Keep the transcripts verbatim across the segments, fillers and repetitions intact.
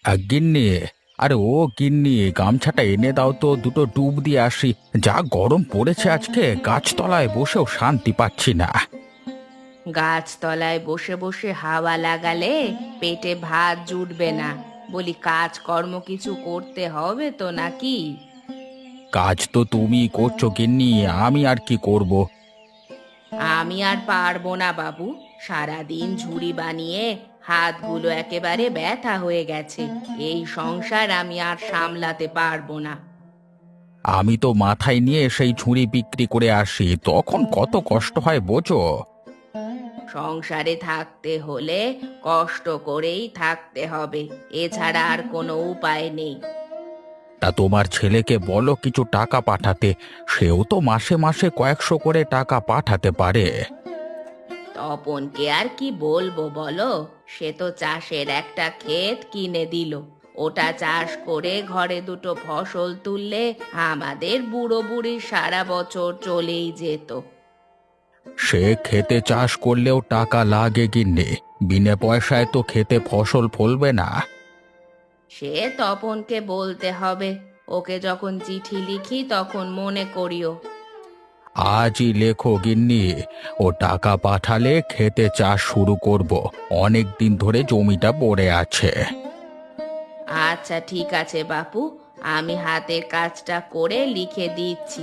আহ, গিন্নি, আরে ও গিন্নি, গামছাটা এনে দাও তো, দুটো ডুব দিয়ে আসি। যা গরম পড়েছে আজকে, গাছতলায় বসেও শান্তি পাচ্ছি না। গাছতলায় বসে বসে হাওয়া লাগালে পেটে ভাত জুটবে না। বলি কাজকর্ম কিছু করতে হবে তো নাকি? কাজ তো তুমি করছো গিন্নি, আমি আর কি করব। আমি আর পারবো না বাবু। সারাদিন ঝুড়ি বানিয়ে হাতগুলো একেবারে ব্যথা হয়ে গেছে। এই সংসার আমি আর সামলাতে পারবো না। আমি তো মাথায় নিয়ে সেই ঝুড়ি বিক্রি করে আসি, তখন কত কষ্ট হয় বোঝো। সংসারে থাকতে হলে কষ্ট করেই থাকতে হবে, এছাড়া আর কোনো উপায় নেই। তা তোমার ছেলেকে বলো কিছু টাকা পাঠাতে, সেও তো মাসে মাসে কয়েকশো করে টাকা পাঠাতে পারে। তপনকে আর কি বলবো বলো? সে তো চাষের একটা ক্ষেত কিনে দিল। ওটা চাষ করে ঘরে দুটো ফসল তুললে আমাদের বুড়ো বুড়ির সারা বছর চলেই যেত। সে খেতে চাষ করলেও টাকা লাগে গিন্নি, বিনা পয়সায় তো খেতে ফসল ফলবে না। সে তপনকে বলতে হবে। ওকে যখন চিঠি লিখি তখন মনে করিও। আজই লেখো গিন্নি, ও টাকা পাঠালে খেতে চাষ শুরু করব। অনেক দিন ধরে জমিটা পড়ে আছে। আচ্ছা ঠিক আছে বাপু, আমি হাতের কাজটা করে লিখে দিচ্ছি।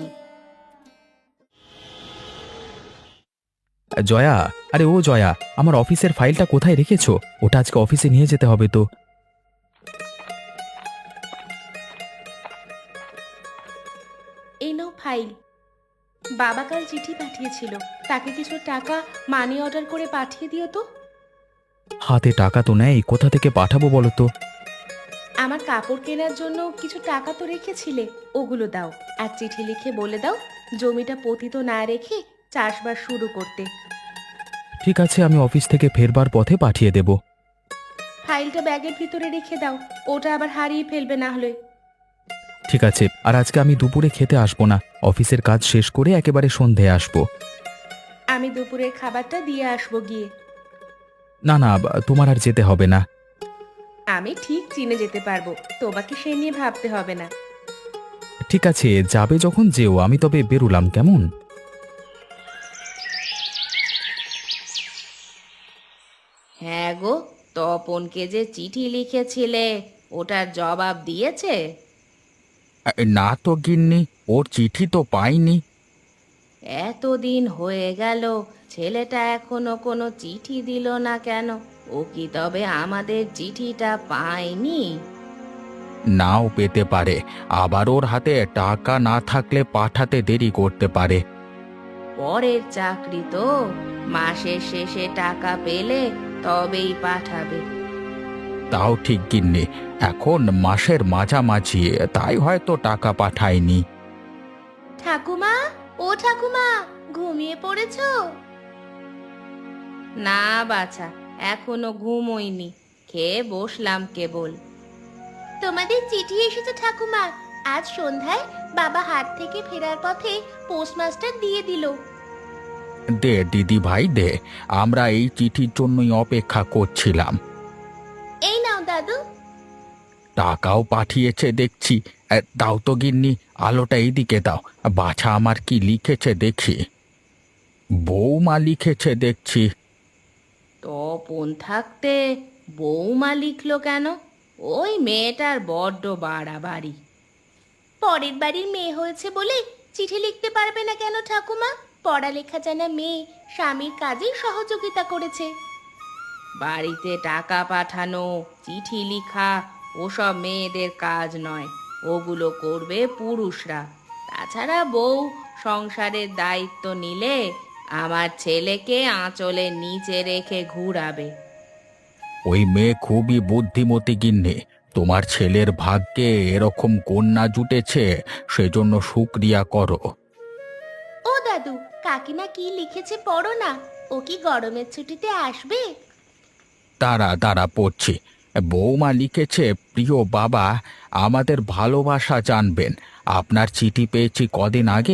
জয়া, আরে ও জয়া, আমার অফিসের ফাইলটা কোথায় রেখেছো? ওটা আজকে অফিসে নিয়ে যেতে হবে তো। এই নাও ফাইল। বাবা কাল চিঠি পাঠিয়েছিল, তাকে কিছু টাকা মানি অর্ডার করে পাঠিয়ে দিও তো। হাতে টাকা তো নেই, কোথা থেকে পাঠাবো বলো তো। আমার কাপড় কেনার জন্য কিছু টাকা তো রেখেছিলে, ওগুলো দাও। আর চিঠি লিখে বলে দাও জমিটা পতিত না রেখে চাষবাস শুরু করতে। ঠিক আছে, আমি অফিস থেকে ফেরবার পথে পাঠিয়ে দেব। ফাইলটা ব্যাগের ভিতরে রেখে দাও, ওটা আবার হারিয়ে ফেলবে না হলে। ঠিক আছে, আর আজকে আমি দুপুরে খেতে আসবো না, অফিসের কাজ শেষ করে একেবারে সন্ধ্যায় আসবো। আমি দুপুরের খাবারটা দিয়ে আসবো গিয়ে। না না, বা- তোমার আর যেতে হবে না। আমি ঠিক চিনে যেতে পারবো, তোমাকে সে নিয়ে ভাবতে হবে না। ঠিক আছে, যাবে যখন যেও, আমি তবে বেরুলাম, কেমন? হ্যাঁ গো, তপনকে যে চিঠি লিখেছিলে ওটার জবাব দিয়েছে? আ, না তো গিন্নি, ওর চিঠি তো পাইনি। এতদিন হয়ে গেল, ছেলেটা এখনো কোনো চিঠি দিল না কেন? ও কি তবে আমাদের চিঠিটা পায়নি? নাও পেতে পারে, আবার ওর হাতে টাকা না থাকলে পাঠাতে দেরি করতে পারে। পরের চাকরি তো, মাসের শেষে টাকা পেলে তবেই পাঠাবে। তাও ঠিক গিন্নি, এখন মাসের মাঝামাঝি, তাই হয়তো টাকা পাঠায়নি। ঠাকুমা, ও ঠাকুমা, ঘুমিয়ে পড়েছো? না বাছা, এখনো ঘুমোইনি, খেয়ে বসলাম কেবল। তোমাদের চিঠি এসেছে ঠাকুমা। আজ সন্ধ্যায় বাবা হাট থেকে ফেরার পথে পোস্টমাস্টার দিয়ে দিল। দে দিদি ভাই দে, আমরা এই চিঠির জন্যই অপেক্ষা করছিলাম। এই নাও দাদু। টাকাও পাঠিয়েছে দেখছি। এ, দাও তো গিন্নি, আলোটা এইদিকে দাও। বাছা আমার কি লিখেছে দেখি। বৌমা লিখেছে দেখছি। তপন থাকতে বৌমা লিখলো কেন? ওই মেয়েটার বড্ড বাড়াবাড়ি। পরের বাড়ির মেয়ে হয়েছে বলে চিঠি লিখতে পারবে না কেন ঠাকুমা? পড়ালেখা জানা মেয়ে স্বামীর কাজে সহযোগিতা করেছে। বাড়িতে টাকা পাঠানো, চিঠি লিখা ওসব মেয়েদের কাজ নয়, ওগুলো করবে পুরুষরা। তাছাড়া বউ সংসারের দায়িত্ব নিলে আমার ছেলেকে আঁচলের নিচে রেখে ঘুরাবে। ওই মেয়ে খুবই বুদ্ধিমতী গিন্নি, তোমার ছেলের ভাগ্যে এরকম কন্যা জুটেছে, সেজন্য শুকরিয়া করো। ও দাদু, কাকিমা কি লিখেছে পড়ো না। ও কি গরমের ছুটিতে আসবে? তারা তারা পড়ছি। বৌমা লিখেছে, প্রিয় বাবা, আমাদের ভালোবাসা জানবেন। আপনার চিঠি পেয়েছি কদিন আগেই,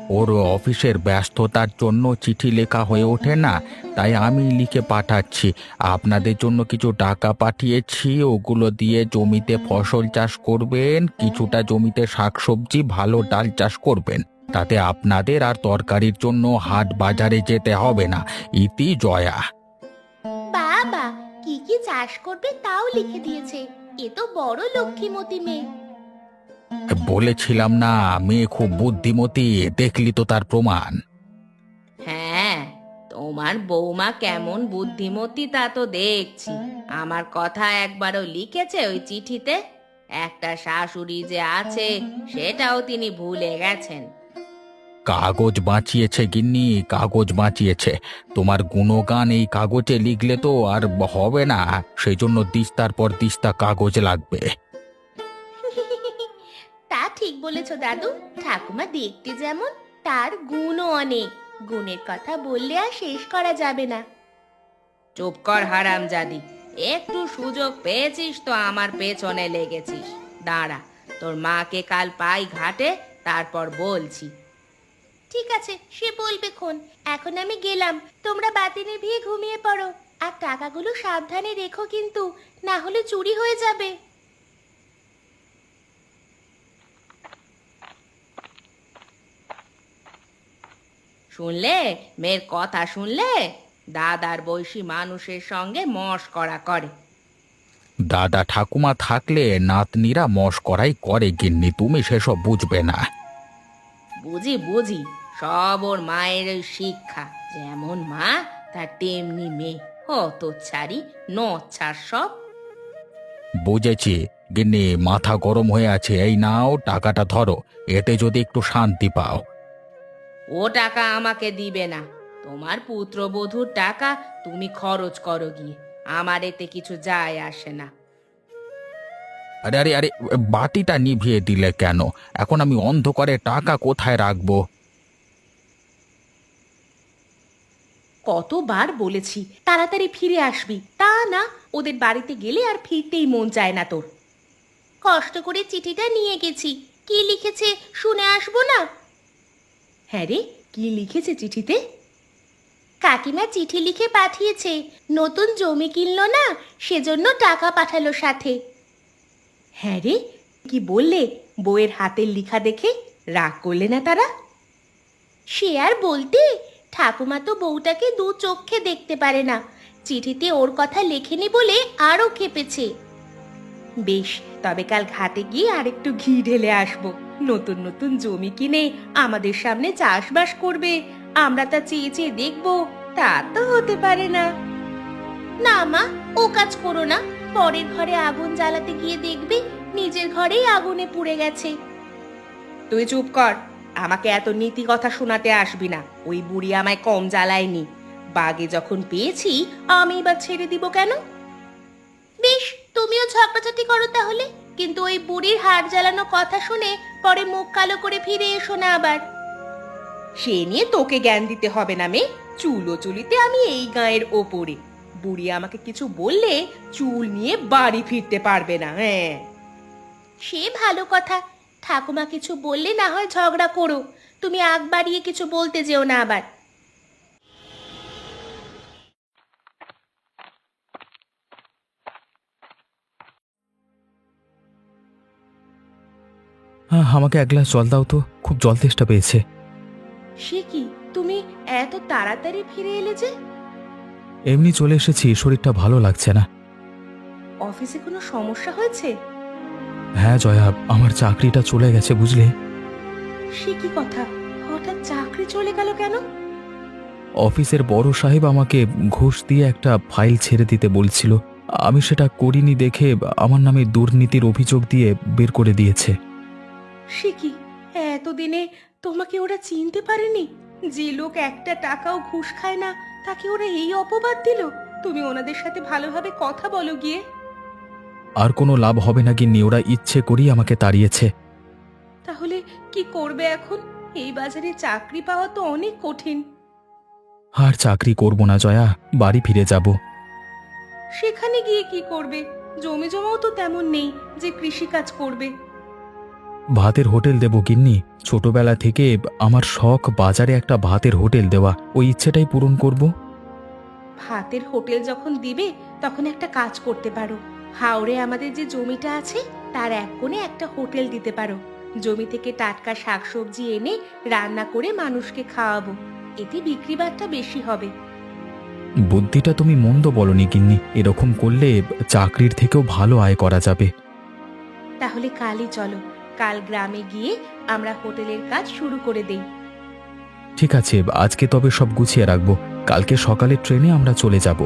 ওর অফিসের ব্যস্ততার জন্য চিঠি লেখা হয়ে ওঠে না, তাই আমি লিখে পাঠাচ্ছি। আপনাদের জন্য কিছু টাকা পাঠিয়েছি, ওগুলো দিয়ে জমিতে ফসল চাষ করবেন, কিছুটা জমিতে শাকসবজি ভালো ডাল চাষ করবেন। তাতে আপনাদের আর তরকারির জন্য হাট বাজারে যেতে হবে না। ইতি জয়া। বাবা, কি কি চাষ করবে তাও লিখে দিয়েছে। এ তো বড় লক্ষ্মীমতী মেয়ে। বলেছিলাম না মেয়ে খুব বুদ্ধিমতী, দেখলি তো তার প্রমাণ। হ্যাঁ, তোমার বৌমা কেমন বুদ্ধিমতী তা তো দেখছি। আমার কথা একবারও লিখেছে ওই চিঠিতে? একটা শাশুড়ি যে আছে সেটাও তিনি ভুলে গেছেন। কাগজ বাঁচিয়েছে গিন্নি, কাগজ বাঁচিয়েছে। তোমার গুণগান এই কাগজে লিখলে তো আর হবে না, সেই জন্য দিস্তার পর দিস্তা কাগজ লাগবে। তা ঠিক বলেছো দাদু। ঠাকুমা দেখতে যেমন, তার গুণও অনেক। গুণের কথা বললে আর শেষ করা যাবে না। চুপ কর হারামজাদি, একটু সুযোগ পেয়েছিস তো আমার পেছনে লেগেছিস। দাঁড়া, তোর মাকে কাল পাই ঘাটে, তারপর বলছি। ঠিক আছে, সে বলবে খন। এখন আমি গেলাম, তোমরা বাতি নিভিয়ে ঘুমিয়ে পড়ো। আর টাকাগুলো সাবধানে রেখো কিন্তু, না হলে চুরি হয়ে যাবে। শুনলে মেয়ের কথা? শুনলে? দাদার বয়সী মানুষের সঙ্গে মশকরা করে। দাদা ঠাকুমা থাকলে নাতনিরা মশকরাই করে গিন্নি, তুমি সেসব বুঝবে না। বুঝি বুঝি, সব ওর মায়ের ওই শিক্ষা। যেমন মা তার তেমনি মেয়ে। অত ছাড়ি নচ্ছার সব। বুঝেছি গিন্নি, মাথা গরম হয়ে আছে। এই নাও টাকাটা ধরো, এতে যদি একটু শান্তি পাও। ও টাকা আমাকে দিবে না। তোমার পুত্রবধূর টাকা তুমি খরচ করো গিয়ে, আমার এতে কিছু যায় আসে না। আরে আরে আরে, বাতিটা নিভিয়ে দিলে কেন? এখন আমি অন্ধকারে টাকা কোথায় রাখবো? কতবার বলেছি তাড়াতাড়ি ফিরে আসবি, তা না। ওদের বাড়িতে গেলে আর ফিরতেই মন চায় না তোর। কষ্ট করে চিঠিটা নিয়ে গেছি, কি লিখেছে শুনে আসবো না? হ্যাঁ রে, কি লিখেছে চিঠিতে? কাকিমা চিঠি লিখে পাঠিয়েছে, নতুন জমি কিনলো না, সেজন্য টাকা পাঠালো সাথে। হ্যাঁ রে, কি বললে? বউয়ের হাতের লিখা দেখে রাগ করলে না তারা? সে আর বলতে, ঠাকুমা তো বউটাকে দু চোখে দেখতে পারে না। চিঠিতে ওর কথা লেখেনি বলে আরও খেপেছে। বেশ, তবে কাল ঘাটে গিয়ে আরেকটু ঘি ঢেলে আসবো। নতুন নতুন জমি কিনে আমাদের সামনে চাষবাস করবে, আমরা তা চেয়ে চেয়ে দেখবো। তা তো হতে পারে না। না মা, ও কাজ করো না। পরের ঘরে আগুন জ্বালাতে গিয়ে দেখবে নিজের ঘরেই আগুনে পুড়ে গেছে। তুই চুপ কর, আমাকে এত নীতি কথা শোনাতে আসবি না। ওই বুড়ি আমায় কম জ্বালায়নি। বাগে যখন পেয়েছি আমি বা ছেড়ে দিব কেন? বেশ, তুমিও ঝগড়াঝাটি করো তাহলে, কিন্তু ওই বুড়ির হাড় জ্বালানো কথা শুনে পরে মুখ কালো করে ফিরে এসো না আবার। সে নিয়ে তোকে জ্ঞান দিতে হবে না মেয়ে। চুলো চুলিতে আমি এই গাঁয়ের ওপরে। বুড়ি আমাকে কিছু বললে চুল নিয়ে বাড়ি ফিরতে পারবে না। হ্যাঁ, সে ভালো কথা। ঠাকুমা কিছু বললে না হয় ঝগড়া করো, তুমি আগ বাড়িয়ে কিছু বলতে যেও না আবার। হ্যাঁ, আমাকে এক গ্লাস জল দাও তো, খুব জল তেষ্টা পেয়েছে। সে কি, তুমি এত তাড়াতাড়ি ফিরে এলে যে? এমনি চলে এসেছি, শরীরটা ভালো লাগছে না। অফিসে কোনো সমস্যা হয়েছে? হ্যাঁ জয়া, আমার চাকরিটা চলে গেছে বুঝলে। সে কি কথা, হঠাৎ চাকরি চলে গেল কেন? অফিসের বড় সাহেব আমাকে ঘুষ দিয়ে একটা ফাইল ছেড়ে দিতে বলছিল, আমি সেটা করিনি দেখে আমার নামে দুর্নীতির অভিযোগ দিয়ে বের করে দিয়েছে। সে কি, এতদিনে তোমাকে ওরা চিনতে পারেনি? যে লোক একটা টাকাও ঘুষ খায় না, তাকে ওরা এই অপবাদ দিল? তুমি ওনাদের সাথে ভালোভাবে কথা বলো গিয়ে। আর কোনো লাভ হবে না গিন্নি, ওরা ইচ্ছে করেই আমাকে তাড়িয়েছে। তাহলে কি করবে এখন? এই বাজারে চাকরি পাওয়া তো অনেক কঠিন। আর চাকরি করব না জয়া, বাড়ি ফিরে যাব। সেখানে গিয়ে কি করবে? জমি জমাও তো তেমন নেই যে কৃষি কাজ করবে। ভাতের হোটেল দেবো গিন্নি। ছোটবেলা থেকে আমার শখ বাজারে একটা ভাতের হোটেল দেওয়া, ওই ইচ্ছেটাই পূরণ করব। ভাতের হোটেল যখন দিবে তখন একটা কাজ করতে পারো। হাওড়ে আমাদের যে জমিটা আছে তার এক কোণে একটা হোটেল দিতে পারো। জমি থেকে টাটকা শাকসবজি এনে রান্না করে মানুষকে খাওয়াবো, এতে বিক্রি বাট্টা বেশি হবে। বুদ্ধিটা তুমি মন্দ বলনি গিন্নি, এরকম করলে চাকরির থেকেও ভালো আয় করা যাবে। তাহলে কালই চলো, কাল গ্রামে গিয়ে আমরা হোটেলের কাজ শুরু করে দেই। ঠিক আছে, আজকে তবে সব গুছিয়ে রাখবো, কালকে সকালে ট্রেনে আমরা চলে যাব।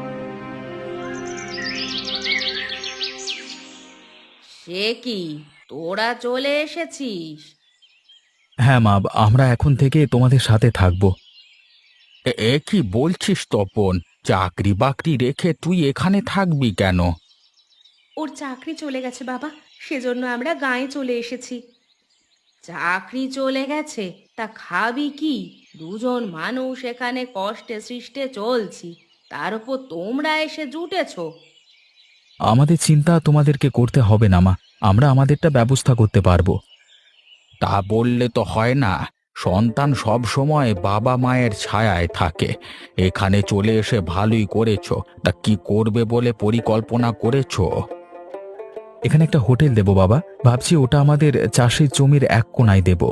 সে কি, তোরা চলে এসেছিস? হ্যাঁ মা, আমরা এখন থেকে তোমাদের সাথে থাকবো। এ এ কি বলছিস তপন? চাকরি বাকরি রেখে তুই এখানে থাকবি কেন? ওর চাকরি চলে গেছে বাবা, সেজন্য আমরা গাঁয়ে চলে এসেছি। চাকরি চলে গেছে? তা খাবি কি? দুজন মানুষ এখানে কষ্টে সৃষ্টে চলছি, তার উপর তোমরা এসে জুটেছো। আমাদের চিন্তা তোমাদেরকে করতে হবে না মা, আমরা আমাদেরটা ব্যবস্থা করতে পারবো। তা বললে তো হয় না। সন্তান সব সময় বাবা মায়ের ছায়ায় থাকে। এখানে চলে এসে ভালোই করেছো। তা কি করবে বলে পরিকল্পনা করেছো? এখানে একটা হোটেল দেবো বাবা, ভাবছি ওটা আমাদের চাষের জমির এক কোণায় দেব।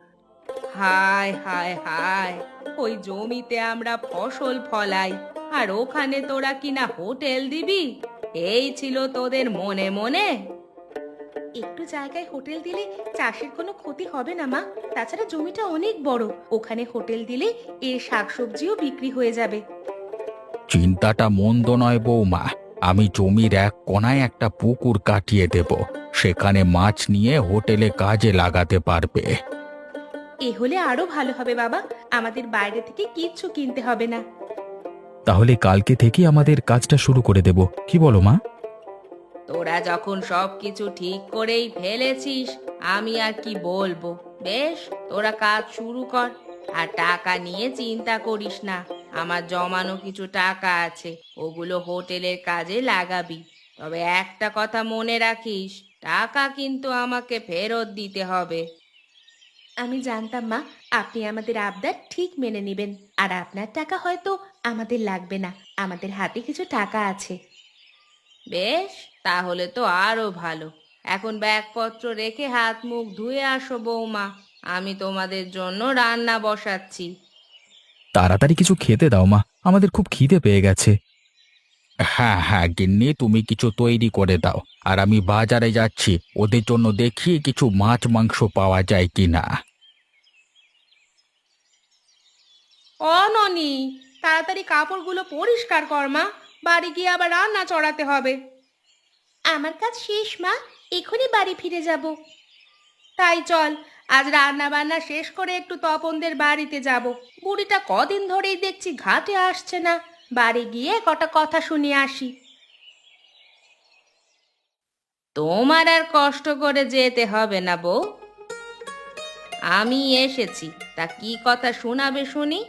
হায় হায় হায়, ওই জমিতে আমরা ফসল ফলাই, আর ওখানে তোরা কিনা হোটেল দিবি? এই ছিল তোদের মনে মনে? একটু জায়গায় হোটেল দিলে চাষের কোনো ক্ষতি হবে না মা। তাছাড়া জমিটা অনেক বড়, ওখানে হোটেল দিলে এর শাকসবজিও বিক্রি হয়ে যাবে। চিন্তাটা মন্দ নয় বৌমা। আমি জমির এক কোণায় একটা পুকুর কাটিয়ে দেব, সেখানে মাছ নিয়ে হোটেলে কাজে লাগাতে পারবে। এ হলে আরো ভালো হবে বাবা, আমাদের বাইরে থেকে কিচ্ছু কিনতে হবে না। তাহলে কালকে থেকেই আমাদের কাজটা শুরু করে দেব, কি বলো মা? তোরা যখন সব কিছু ঠিক করেই ফেলেছিস, আমি আর কি বলবো। বেশ, তোরা কাজ শুরু কর। আর টাকা নিয়ে চিন্তা করিস না, আমার জমানো কিছু টাকা আছে, ওগুলো হোটেলের কাজে লাগাবি। তবে একটা কথা মনে রাখিস, টাকা কিন্তু আমাকে ফেরত দিতে হবে। আমি জানতাম মা, আপনি আমাদের আবদার ঠিক মেনে নেবেন। আর আপনার টাকা হয়তো আমাদের লাগবে না, আমাদের হাতে কিছু টাকা আছে। বেশ, তাহলে তো আরো ভালো। এখন ব্যাগপত্র রেখে হাত মুখ ধুয়ে আসো বৌমা, আমি তোমাদের জন্য রান্না বসাচ্ছি। তাড়াতাড়ি কিছু খেতে দাও মা, আমাদের খুব খিদে পেয়ে গেছে। হ্যাঁ হ্যাঁ গিন্নি, তুমি কিছু তৈরি করে দাও। আর আমি বাজারে যাচ্ছি, ওদের জন্য দেখি কিছু মাছ মাংস পাওয়া যায় কিনা। ও ননি, তাড়াতাড়ি কাপড়গুলো পরিষ্কার কর মা, বাড়ি গিয়ে আবার রান্না চড়াতে হবে। আমার কাজ শেষ মা, এখনই বাড়ি ফিরে যাব। তাই চল, আজ রান্না বান্না শেষ করে একটু তপনদের বাড়িতে যাব। বুড়িটা কদিন ধরেই দেখছি ঘাটে আসছে না, বাড়ি গিয়ে কটা কথা শুনে আসি। তোমার আর কষ্ট করে যেতে হবে না বউ, আমি এসেছি। তা কি কথা শোনাবে শুনি?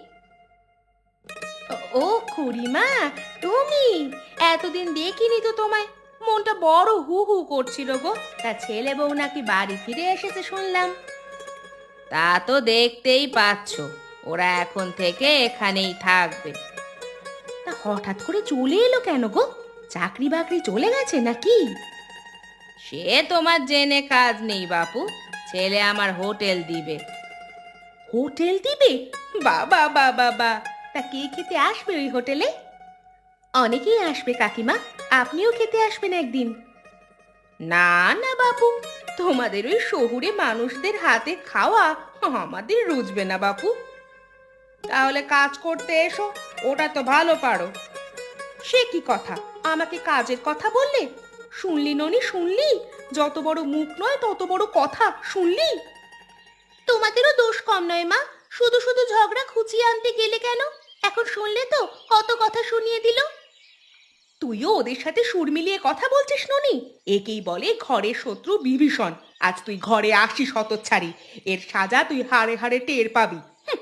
ও খুড়িমা, তুমি? এতদিন দেখিনি তো তোমায়, মনটা বড় হু হু করছিল গো। তা ছেলে বউ নাকি বাড়ি ফিরে এসেছে শুনলাম। তা তো দেখতেই পাচ্ছ, ওরা এখন থেকে এখানেই থাকবে। তা হঠাৎ করে চলে এলো কেন গো? চাকরি বাকরি চলে গেছে নাকি? সে তোমার জেনে কাজ নেই বাপু, ছেলে আমার হোটেল দিবে। হোটেল দিবে? বাবা বাবা বা, তা কে খেতে আসবে ওই হোটেলে? অনেকেই আসবে কাকিমা, আপনিও খেতে আসবেন একদিন। না না বাপু, তোমাদের ওই শহুরে মানুষদের হাতে খাওয়া আমাদের রুচবে না বাপু। তাহলে কাজ করতে এসো, ওটা তো ভালো পারো। সে কি কথা, আমাকে কাজের কথা বললে? শুনলি ননি, শুনলি? যত বড় মুখ নয় তত বড় কথা, শুনলি? তোমাদেরও দোষ কম নয় মা, শুধু শুধু ঝগড়া খুঁচিয়ে আনতে গেলে কেন? এখন শুনলে তো কত কথা শুনিয়ে দিল। তুইও ওদের সাথে সুর মিলিয়ে কথা বলছিস ননি? একেই বলে ঘরের শত্রু বিভীষণ। আজ তুই ঘরে আসিস হতচ্ছাড়ি, এর সাজা তুই হাড়ে হাড়ে টের পাবি।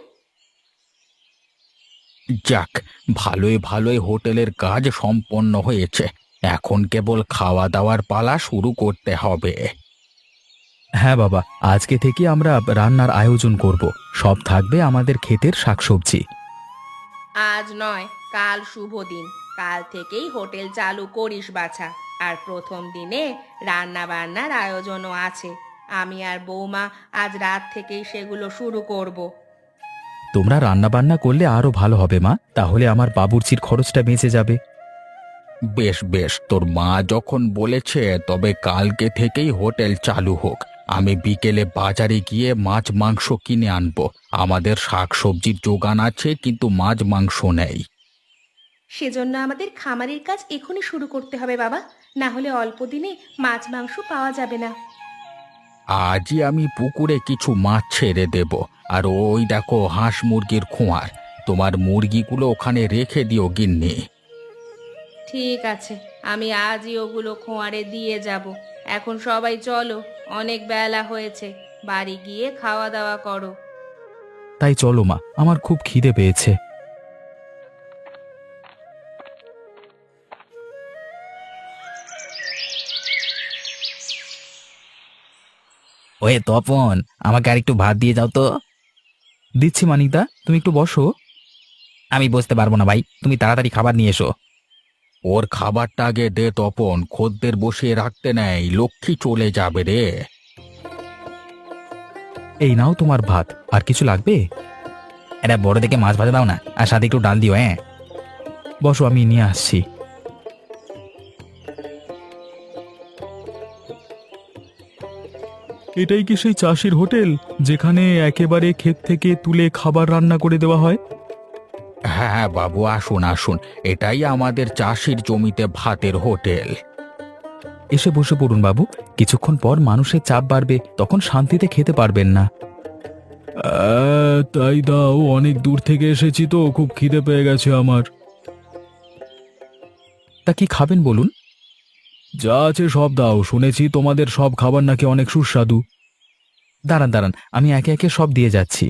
যাক, ভালোই ভালোই হোটেলের কাজ সম্পন্ন হয়েছে। এখন কেবল খাওয়া দাওয়ার পালা শুরু করতে হবে। হ্যাঁ বাবা, আজকে থেকে আমরা রান্নার আয়োজন করব। সব থাকবে আমাদের ক্ষেতের শাকসবজি। আজ নয়, কাল শুভ দিন। কাল থেকেই হোটেল চালু করিস বাছা। আর প্রথম দিনে রান্না বান্নার আয়োজনও আছে। আমি আর বৌমা আজ রাত থেকেই সেগুলো শুরু করব। তোমরা রান্না বান্না করলে আরো ভালো হবে মা, তাহলে আমার বাবুর্চির খরচটা বেঁচে যাবে। বেশ বেশ, তোর মা যখন বলেছে তবে কালকে থেকেই হোটেল চালু হোক। আমি বিকেলে বাজারে গিয়ে মাছ মাংস কিনে আনবো। আমাদের শাকসবজির যোগান আছে, কিন্তু মাছ মাংস নেই। সেজন্য আমাদের খামারের কাজ এখনই শুরু করতে হবে বাবা, না হলে অল্প দিনে মাছ মাংস পাওয়া যাবে না। আজই আমি পুকুরে কিছু মাছ ছেড়ে দেব। আর ওই দেখো হাঁস মুরগির খোঁয়ার, তোমার মুরগিগুলো ওখানে রেখে দিও গিন্নি। ঠিক আছে, আমি আজই ওগুলো খোঁয়ারে দিয়ে যাব। এখন সবাই চলো, অনেক বেলা হয়েছে। বাড়ি গিয়ে খাওয়া দাওয়া করো। তাই চলো মা, আমার খুব খিদে পেয়েছে। ওয়ে তপন, আমাকে আর একটু ভাত দিয়ে যাও তো। দিচ্ছি মানিকদা, তুমি একটু বসো। আমি বসতে পারবো না ভাই, তুমি তাড়াতাড়ি খাবার নিয়ে এসো। ওর খাবারটা আগে দে তপন, খদ্দের বসিয়ে রাখতে নেই, লক্ষ্মী চলে যাবে রে। এই নাও তোমার ভাত, আর কিছু লাগবে? এটা বড় দেখে মাছ ভাজা দাও না, আর সাথে একটু ডাল দিও। হ্যাঁ, বসো, আমি নিয়ে আসছি। এটাই কি সেই চাষির হোটেল, যেখানে একেবারে ক্ষেত থেকে তুলে খাবার রান্না করে দেওয়া হয়? হ্যাঁ হ্যাঁ বাবু, আসুন আসুন, এটাই আমাদের চাষির জমিতে ভাতের হোটেল। এসে বসে পড়ুন বাবু, কিছুক্ষণ পর মানুষের চাপ বাড়বে, তখন শান্তিতে খেতে পারবেন না। তাই দাও, অনেক দূর থেকে এসেছি তো, খুব খিদে পেয়ে গেছে আমার। তা কি খাবেন বলুন? যা আছে সব দাও, শুনেছি তোমাদের সব খাবার নাকি অনেক সুস্বাদু। দাঁড়ান দাঁড়ান, আমি একে একে সব দিয়ে যাচ্ছি।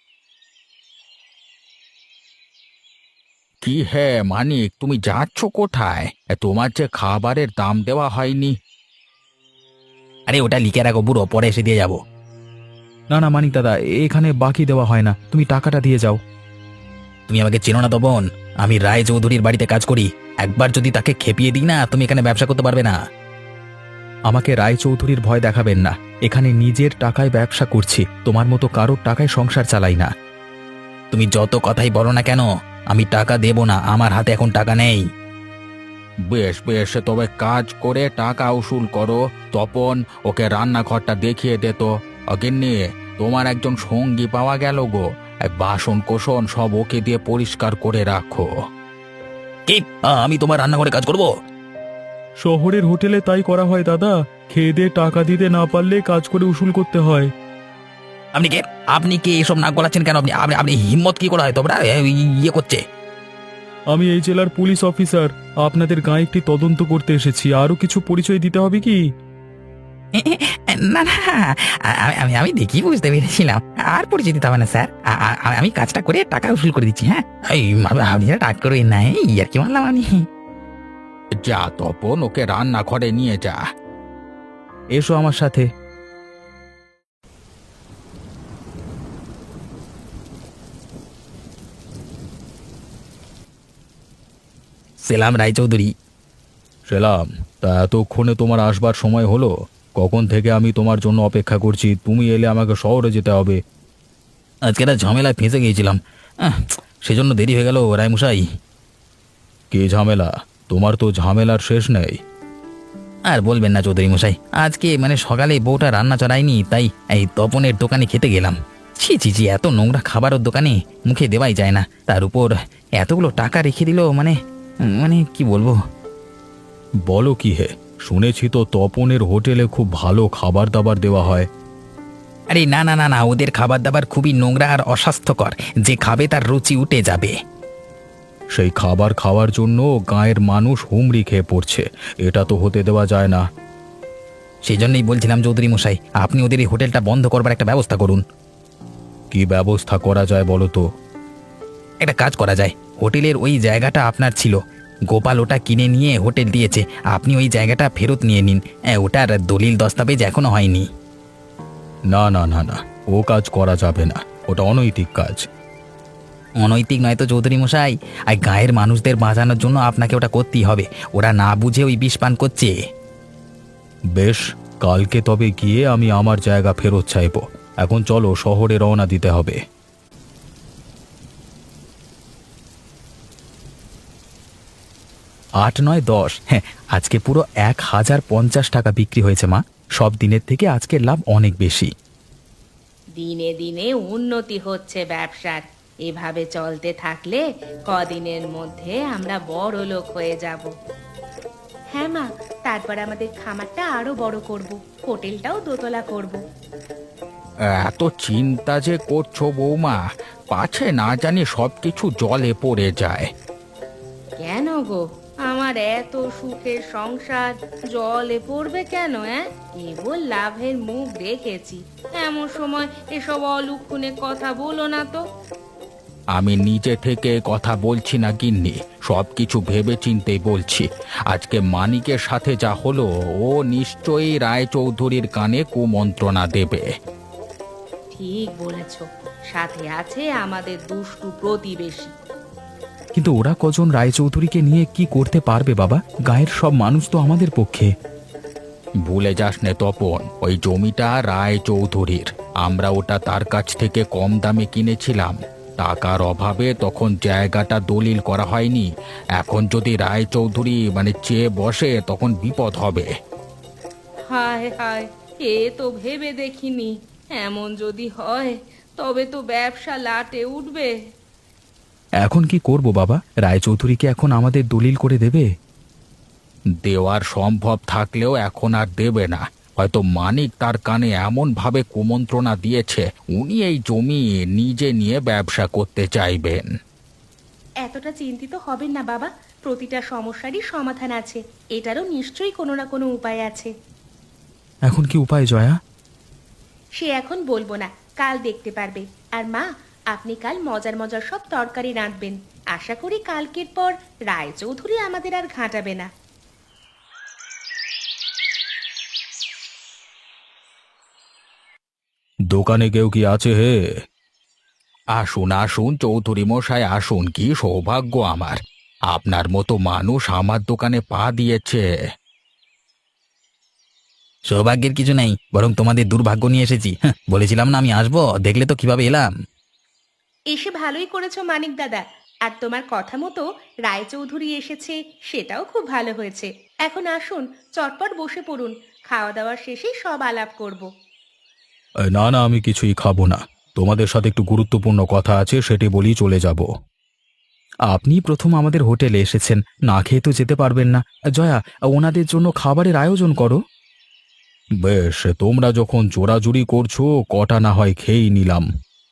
কি হে মানিক, তুমি যাচ্ছ কোথায়? তোমার যে খাবারের দাম দেওয়া হয়নি। আরে ওটা লিখে রাখো বুড়ো, পরে এসে দিয়ে যাবো। না না মানিক দাদা, এখানে বাকি দেওয়া হয় না, তুমি টাকাটা দিয়ে যাও। তুমি আমাকে চেনো না তপন, আমি রায় চৌধুরীর বাড়িতে কাজ করি। একবার যদি তাকে খেপিয়ে দিই না, তুমি এখানে ব্যবসা করতে পারবে না। আমাকে রায়চৌধুরীর ভয় দেখাবেন না, এখানে নিজের টাকায় ব্যবসা করছি, তোমার মতো কারোর টাকায় সংসার চালাই না। তুমি যত কথাই বলো না কেন, আমি টাকা দেব না, আমার হাতে এখন টাকা নেই। বেশ বেশ, তবে কাজ করে টাকা উসুল করো। তপন, ওকে রান্নাঘরটা দেখিয়ে দে তো। অগিন্নি, তোমার একজন সঙ্গী পাওয়া গেল গো। এই বাসন কোসন সব ওকে দিয়ে পরিষ্কার করে রাখো। কি, আমি তোমার রান্নাঘরে কাজ করব? শহরের হোটেলে তাই করা হয় দাদা, খেয়ে দিয়ে টাকা দিতে না পারলে কাজ করে উসুল করতে হয়। আপনি কে? আপনি কি এসব নাক গলাচ্ছেন কেন? আপনি আপনি আপনি হিম্মত কি করে হয় তোমরা ইয়ে করছে? আমি এই জেলার পুলিশ অফিসার, আপনাদের গায়ে একটি তদন্ত করতে এসেছি। আরো কিছু পরিচয় দিতে হবে কি? না না, আমি আমি আমি দেখি বুঝতে পেরেছিলাম। আর পরিচিত হবে না স্যার, আ- আ- আমি কাজটা করে টাকা উসুল করে দিচ্ছি। হ্যাঁ, এই আপনি টাক করে নাই আর কি মানলাম আমি। যা তপন, ওকে রান্নাঘরে নিয়ে যা। এসো আমার সাথে। সেলাম রায়চৌধুরী। সেলাম। তা এতক্ষণে তোমার আসবার সময় হলো? কখন থেকে আমি তোমার জন্য অপেক্ষা করছি, তুমি এলে আমাকে শহরে যেতে হবে। আজকে একটা ঝামেলায় ফেঁসে গিয়েছিলাম, আহ, সেজন্য দেরি হয়ে গেল রায়মশাই। কি ঝামেলা? তোমার তো ঝামেলার শেষ নেই। আর বলবেন না চৌধুরী মশাই, আজকে মানে সকালে বউটা রান্না চড়ায়নি, তাই এই তপনের দোকানে খেতে গেলাম। ছি ছি ছি, এত নোংরা খাবার ওর দোকানে মুখে দেওয়াই যায় না, তার উপর এতগুলো টাকা রেখে দিল, মানে মানে কি বলবো। বলো কি হে, শুনেছি তো তপনের হোটেলে খুব ভালো খাবার দাবার দেওয়া হয়। আরে না না না না, ওদের খাবার দাবার খুবই নোংরা আর অস্বাস্থ্যকর, যে খাবে তার রুচি উঠে যাবে। সেই খাবার খাওয়ার জন্য গাঁয়ের মানুষ হুমড়ি খেয়ে পড়ছে, এটা তো হতে দেওয়া যায় না। সেই জন্যই বলছিলাম চৌধুরী মশাই, আপনি ওদের এই হোটেলটা বন্ধ করবার একটা ব্যবস্থা করুন। কি ব্যবস্থা করা যায় বলো তো? একটা কাজ করা যায়, হোটেলের ওই জায়গাটা আপনার ছিল, গোপাল ওটা কিনে নিয়ে হোটেল দিয়েছে, আপনি ওই জায়গাটা ফেরত নিয়ে নিন। হ্যাঁ, ওটার দলিল দস্তাবেজ এখনো হয়নি। না না না না, ও কাজ করা যাবে না, ওটা অনৈতিক কাজ। অনৈতিক নয় তো চৌধুরী মশাই, আর গায়ের মানুষদের বাঁচানোর জন্য আপনাকে ওটা করতেই হবে। ওরা না বুঝে ওই বিষ পান করছে। বেশ, কালকে তবে গিয়ে আমি আমার জায়গা ফেরত চাইব। এখন চলো, শহরে রওনা দিতে হবে। আট নয় দশ, হ্যাঁ, আজকে পুরো এক হাজার পঞ্চাশ টাকা বিক্রি হয়েছে মা। সব দিনের থেকে আজকের লাভ অনেক বেশি। দিনে দিনে উন্নতি হচ্ছে ব্যবসার। এভাবে চলতে থাকলে কদিনের মধ্যে আমরা বড় লোক হয়ে যাব। হ্যাঁ মা, তারপর আমাদের খামারটা আরো বড় করব, হোটেলটাও দোতলা করব। এত চিন্তা যে করছো বৌমা, পাছে না জানি সব কিছু জলে পড়ে যায়। কেন গো, আমার এত সুখের সংসার জলে পড়বে কেন? হ্যাঁ, কেবল লাভের মুখ দেখেছি। এমন সময় এসব অলুক্ষণে কথা বলো না তো। আমি নিজে থেকে কথা বলছি না গিন্নি, সব কিছু ভেবে চিন্তেই বলছি। আজকে মানিকের সাথে যা হলো, ও নিশ্চয়ই রায়চৌধুরীর কানে কুমন্ত্রণা দেবে। ঠিক বলেছ, সাথে আছে আমাদের দুষ্টু প্রতিবেশী। কিন্তু ওরা কজন রায়চৌধুরীকে নিয়ে কি করতে পারবে বাবা? গায়ের সব মানুষ তো আমাদের পক্ষে। ভুলে যাস নে তপন, ওই জমিটা রায়চৌধুরীর। আমরা ওটা তার কাছ থেকে কম দামে কিনেছিলাম। টাকার অভাবে তখন জায়গাটা দলিল করা হয়নি। এখন যদি রায়চৌধুরী মানে চেয়ে বসে, তখন বিপদ হবে। হায় হায়, এ তো ভেবে দেখিনি। এমন যদি হয় তবে তো ব্যবসা লাটে উঠবে। এখন কি করব বাবা? রায়চৌধুরীকে এখন আমাদের দলিল করে দেবে? দেওয়ার সম্ভব থাকলেও এখন আর দেবে না। হয়তো মানিক তার কানে এমন ভাবে কুমন্ত্রণা দিয়েছে, উনি এই জমি নিজে নিয়ে ব্যবসা করতে চাইবেন। এতটা চিন্তিত হবেন না বাবা, প্রতিটা সমস্যারই সমাধান আছে। এটারও নিশ্চয়ই কোনো না কোনো উপায় আছে। এখন কি উপায় জয়া? সে এখন বলবো না, কাল দেখতে পারবে। আর মা, আপনি কাল মজার মজার সব তরকারি রাঁধবেন। আশা করি কালকের পর রায়চৌধুরী আমাদের আর ঘাঁটাবে না। দোকানে কেউ কি আছে হে? আসুন আসুন চৌধুরী মশাই, আসুন। কি সৌভাগ্য আমার, আপনার মতো মানুষ আমার দোকানে পা দিয়েছে। সৌভাগ্যের কিছু নেই, বরং তোমাদের দুর্ভাগ্য নিয়ে এসেছি। হ্যাঁ, বলেছিলাম না আমি আসবো, দেখলে তো কিভাবে এলাম। এসে ভালোই করেছো মানিক দাদা। আর তোমার কথা মতো রায়চৌধুরী এসেছে, সেটাও খুব ভালো হয়েছে। এখন আসুন, চটপট বসে পড়ুন। খাওয়া দাওয়ার শেষেই সব আলাপ করব। এ, না না, আমি কিছুই খাবো না। তোমাদের সাথে একটু গুরুত্বপূর্ণ কথা আছে, সেটি বলেই চলে যাব। আপনি প্রথম আমাদের হোটেলে এসেছেন, না খেয়ে তো যেতে পারবেন না। জয়া, ওনাদের জন্য খাবারের আয়োজন করো। বেশ, তোমরা যখন জোরাজুরি করছো, কটা না হয় খেয়েই নিলাম।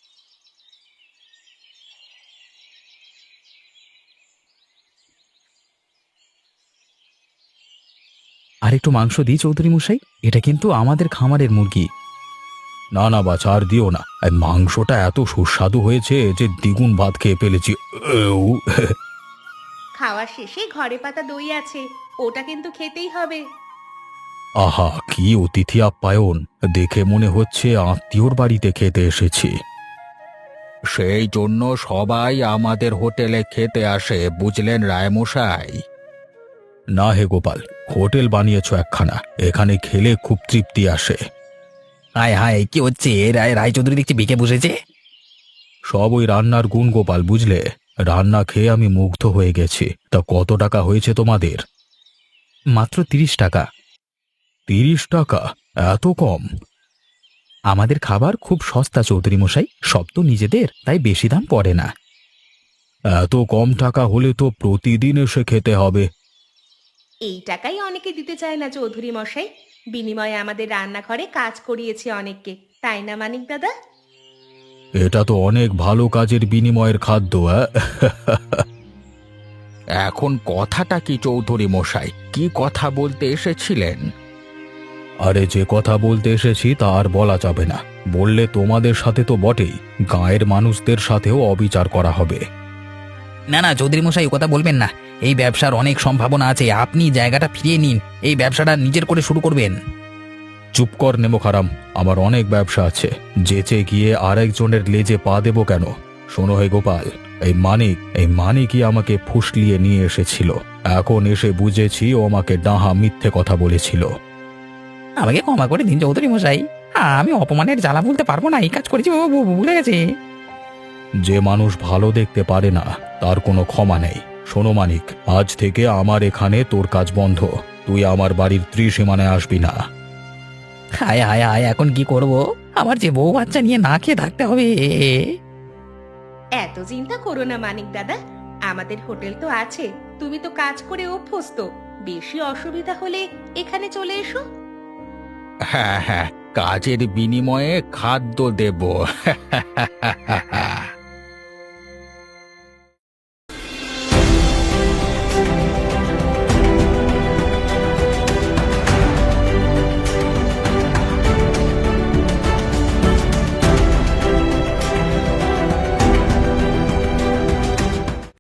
আর একটু মাংস দিই চৌধুরী মশাই, এটা কিন্তু আমাদের খামারের মুরগি। না না বাছা, আর দিও না। এই মাংসটা এত সুস্বাদু হয়েছে যে দ্বিগুণ ভাত খেয়ে ফেলেছি। এউ। খাওয়ার শেষে ঘরে পাতা দই আছে, ওটা কিন্তু খেতেই হবে। আহা, কি অতিথি আপ্যায়ন! দেখে মনে হচ্ছে আত্মীয়র বাড়িতে খেতে এসেছি। সেই জন্য সবাই আমাদের হোটেলে খেতে আসে, বুঝলেন রায়মশাই? না হে গোপাল, হোটেল বানিয়েছো একখানা, এখানে খেলে খুব তৃপ্তি আসে। হায় হায়, কি হচ্ছে? রায় রায়চৌধুরী দেখছি বিকে বসেছে। সব ওই রান্নার গুণ গোপাল, বুঝলে? রান্না খেয়ে আমি মুগ্ধ হয়ে গেছি। তা কত টাকা হয়েছে তোমাদের? মাত্র তিরিশ টাকা। তিরিশ টাকা? এত কম? আমাদের খাবার খুব সস্তা চৌধুরী মশাই, সব তো নিজেদের, তাই বেশি দাম পড়ে না। এত কম টাকা হলে তো প্রতিদিন এসে খেতে হবে। এই টাকাই অনেকে দিতে চায় না চৌধুরী মশাই। বিনিময়ে আমাদের রান্নাঘরে কাজ করিয়েছে অনেককে, তাই না মানিক দাদা? এটা তো অনেক ভালো কাজের বিনিময়ের খাদ্য। অ্যাঁ? এখন কথাটা কি চৌধুরী মশাই? কি কথা বলতে এসেছিলেন? আরে, যে কথা বলতে এসেছি তা আর বলা যাবে না। বললে তোমাদের সাথে তো বটেই, গাঁয়ের মানুষদের সাথেও অবিচার করা হবে। না না চৌধুরী মশাই, ও কথা বলবেন না। এই ব্যবসার অনেক সম্ভাবনা আছে, আপনি জায়গাটা ফিরিয়ে নিন, এই ব্যবসাটা নিজের করে শুরু করবেন। চুপ কর নেমো খারাম, আমার অনেক ব্যবসা আছে, যেচে গিয়ে আরেকজনের লেজে পা দেবো কেন? শোনো হে গোপাল, এই মানিক এই মানিকই আমাকে ফুসলিয়ে নিয়ে এসেছিল। এখন এসে বুঝেছি ও আমাকে ডাহা মিথ্যে কথা বলেছিল। আমাকে ক্ষমা করে দিন চৌধুরী মশাই, আমি অপমানের জ্বালা বলতে পারবো না, এই কাজ করেছি, ও ভু- ভু- ভুলে গেছে। যে মানুষ ভালো দেখতে পারে না তার কোনো ক্ষমা নেই। শোনো মানিক, আজ থেকে আমার এখানে তোর কাজ বন্ধ, তুই আমার বাড়ির ত্রিসীমানায় আসবি না। হায় হায় হায়, এখন কি করব? আমার যে বউ বাচ্চা নিয়ে না খেয়ে থাকতে হবে। এত চিন্তা করো না মানিক দাদা, আমাদের হোটেল তো আছে, তুমি তো কাজ করে অভ্যস্ত, বেশি অসুবিধা হলে এখানে চলে এসো। হ্যাঁ হ্যাঁ, কাজের বিনিময়ে খাদ্য দেব।